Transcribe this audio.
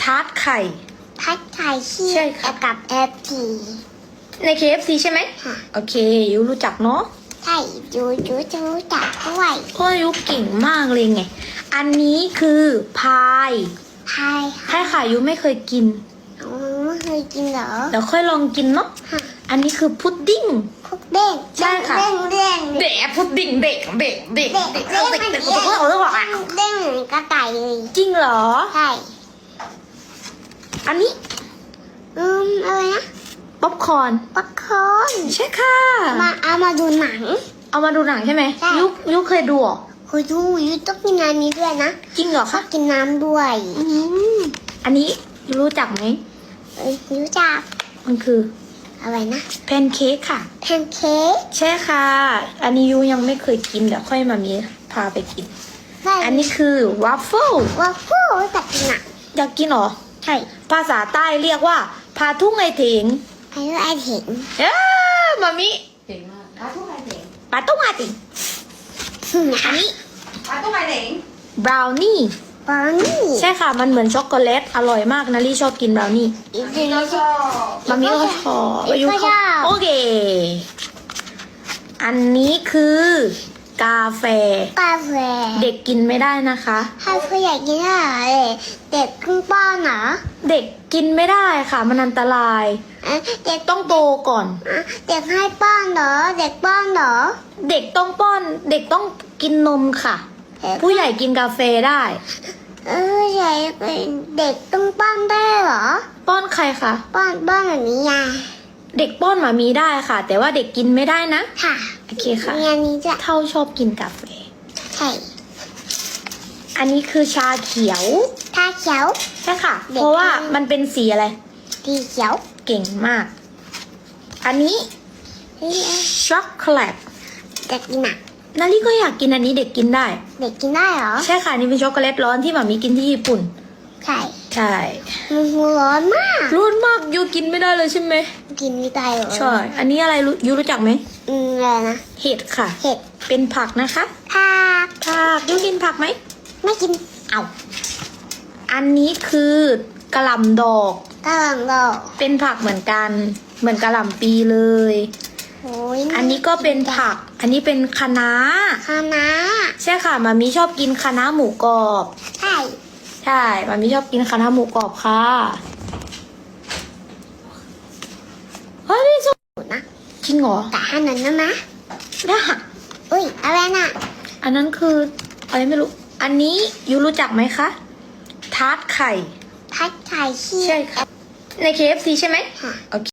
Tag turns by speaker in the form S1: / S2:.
S1: ทาร์ตไข่
S2: พัดไข่ที่
S1: ใช่ค่ะ
S2: กับแอปพี
S1: ใน KFC ใช่ไหม
S2: ค่ะ
S1: โอเคยูรู้จักเนาะ
S2: ใช่ยูจะรู้จักด้วย
S1: ก็ยูเก่งมากเลยไงอันนี้คือพาย
S2: ใช่
S1: ใช่ค่ะยูไม่เคยกิน
S2: ไม่เคยกินเหรอ
S1: เดี๋ยวค่อยลองกินเนาะ
S2: ค่ะ
S1: อันนี้คือพุดดิ้ง
S2: คุกเด้ง
S1: ใช่ค่ะ
S2: เด้งเด้ง
S1: เด็กพุดดิ้งเด็กเด็กเด็ก
S2: เด้ง
S1: เด็ก
S2: เด้ง
S1: เด็ก
S2: เด้ง
S1: เด็ก
S2: เด้ง
S1: เด็กเด็ก
S2: เด้งเหมือนกระต่ายเลย
S1: จริงเหรอ
S2: ใช่
S1: อันนี้
S2: อะไรนะ
S1: ป๊อปคอร์น
S2: ป๊อปคอร์น
S1: ใช่ค่ะ
S2: เอามาดูหนัง
S1: เอามาดูหนังใช่ไหม
S2: ใช่
S1: ยุเคยดูเหรอ
S2: คุณยูต้องกินน้ำนี้ด้วยนะ
S1: จริงเหรอ
S2: ชอ
S1: คะ
S2: บกินน้ำด้วย
S1: อืมอันนี้ยูรู้จักไหม
S2: รู้จัก
S1: มันคือ
S2: อะไรนะ
S1: แพนเค้กค่ะ
S2: แพนเค้ก
S1: ใช่ค่ะ อันนี้ยูยังไม่เคยกินเดี๋ยวค่อยมามีพาไปกิน อันนี้คือวาฟเฟิล
S2: ว่าฟูแต่กินอ่ะ
S1: อยากกินเหรอ
S2: ใช่
S1: ภาษาใต้เรียกว่าพาทุ่งไอเถง
S2: ไอ้เห็น
S1: เอ้อมามิ
S3: เก่งมากปลาทุกไข่เด็ง
S1: ปาทุ่งไอเถงอันนี้
S3: ปลาทุกไข่เด็ง
S1: บราวนี่
S2: บอนี่
S1: ใช่ค่ะ มันเหมือนช็อกโกแลต อร่อยมากนะลี่ชอบกินบราวนี่
S2: อีก
S3: นี่ก็ชอบ
S1: มามิก็ชอบ
S2: อีกก็ชอบ
S1: โอเค อันนี้คือ กาแฟ
S2: กาแฟ
S1: เด็กกินไม่ได้นะคะ
S2: ถ้าผู้ใหญ่กินอะไรเด็กครึ่งป้อนเหรอ
S1: เด็กกินไม่ได้ค่ะ มันอันตราย
S2: เด็ก
S1: ต้องโตก่อน
S2: เด็กให้ป้อนเหรอ เด็กป้อนเหรอ
S1: เด็กต้องป้อน เด็กต้องกินนมค่ะ ผู้ใหญ่กินกาแฟได้
S2: ใหญ่เด็กต้องป้อนได้เหรอ
S1: ป้อนใครคะ
S2: ป้อนแบบนี้ไง
S1: เด็กป้อนหมามีได้ค่ะ แต่ว่าเด็กกินไม่ได้นะ
S2: ค่ะ
S1: โอเคค่ะ
S2: มีอันนี้จะ
S1: เท่าชอบกินกาแฟ
S2: ใช่
S1: อันนี้คือชาเขียว
S2: ถ้าเขียว
S1: ใช่ค่ะ
S2: เด็ก
S1: เพราะว่า
S2: กิน
S1: มันเป็นสีอะไร
S2: สีเขียว
S1: เก่งมาก อันนี้ช็อกโกแลต
S2: เด็กกินอ่ะ
S1: นาลี่ก็อยากกินอันนี้เด็กกินได้
S2: เด็กกินได้เหรอ
S1: ใช่ค่ะนี่เป็นช็อกโกแลตร้อนที่หมามีกินที่ญี่ปุ่น
S2: ใช่
S1: ใช่
S2: มันร้อนมาก
S1: ร้อนมากยูกินไม่ได้เลยใช่ไหม
S2: กินไม่ได้เหรอ
S1: ใช่ อันนี้อะไรยูรู้จักไหม
S2: อะไรนะ
S1: เห็ดค่ะ
S2: เห็ด
S1: เป็นผักนะคะ
S2: ผัก
S1: ผักยูกินผักไหม
S2: ไม่กิน
S1: เอาอันนี้คือกะหล่ำดอก
S2: กะหล่ำดอก
S1: เป็นผักเหมือนกัน เหมือนกะหล่ำปีเลย
S2: โอ้ย
S1: อันนี้ก็เป็นผัก อันนี้เป็นคะน้า
S2: คณะ
S1: ใช่ค่ะมามีชอบกินคะน้าหมูกรอบ
S2: ใช่
S1: ใช่มามีชอบกินคะน้าหมูกรอบค่ะเฮ้ยพี่สุ
S2: นะ
S1: จริงเหรอ
S2: แต่อันนั้นนะ
S1: ได้
S2: อุ้ยอะไรน่ะ
S1: อันนั้นคืออะไรไม่รู้ อันนี้ยูรู้จักไหมคะทาร์ตไข่
S2: พัดไข่ที่
S1: ใช่ค่ะ ใน KFC ใช่ไหม
S2: ค่ะ
S1: โอเค